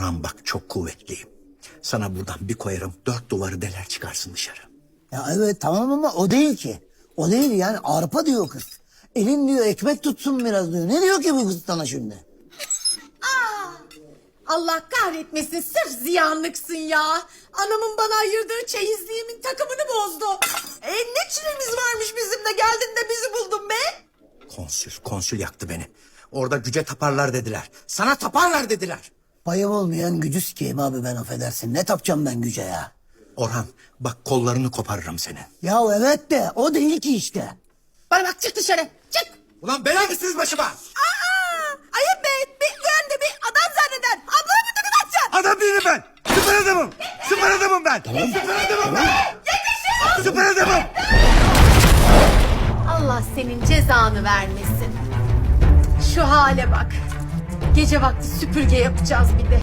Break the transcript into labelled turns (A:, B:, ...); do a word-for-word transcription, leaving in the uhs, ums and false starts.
A: Orhan bak çok kuvvetliyim. Sana buradan bir koyarım dört duvarı deler çıkarsın dışarı.
B: Ya evet tamam ama o değil ki. O değil yani arpa diyor kız. Elin diyor ekmek tutsun biraz diyor. Ne diyor ki bu kız sana şimdi?
C: Allah kahretmesin, sırf ziyanlıksın ya. Anamın bana ayırdığı çeyizliğimin takımını bozdu. E ne çilemiz varmış bizim de, geldin de bizi buldun be.
A: Konsül, konsül yaktı beni. Orada güce taparlar dediler. Sana taparlar dediler.
B: Payım olmayan gücü sikeyim abi ben affedersin. Ne tapacağım ben güce ya?
A: Orhan bak kollarını koparırım senin.
B: Ya evet de o değil ki işte.
C: Bana bak, çık dışarı, çık.
A: Ulan bela mısınız başıma?
C: Aa, ayıp be, bir duyan da bir adam zanneder. Ablamı mı tıkıtacaksın?
A: Adam değilim ben. Süper adamım. Süper adamım ben. Süper adamım ben. Süper adamım.
C: Allah senin cezanı vermesin. Şu hale bak. Gece vakti süpürge yapacağız bir de.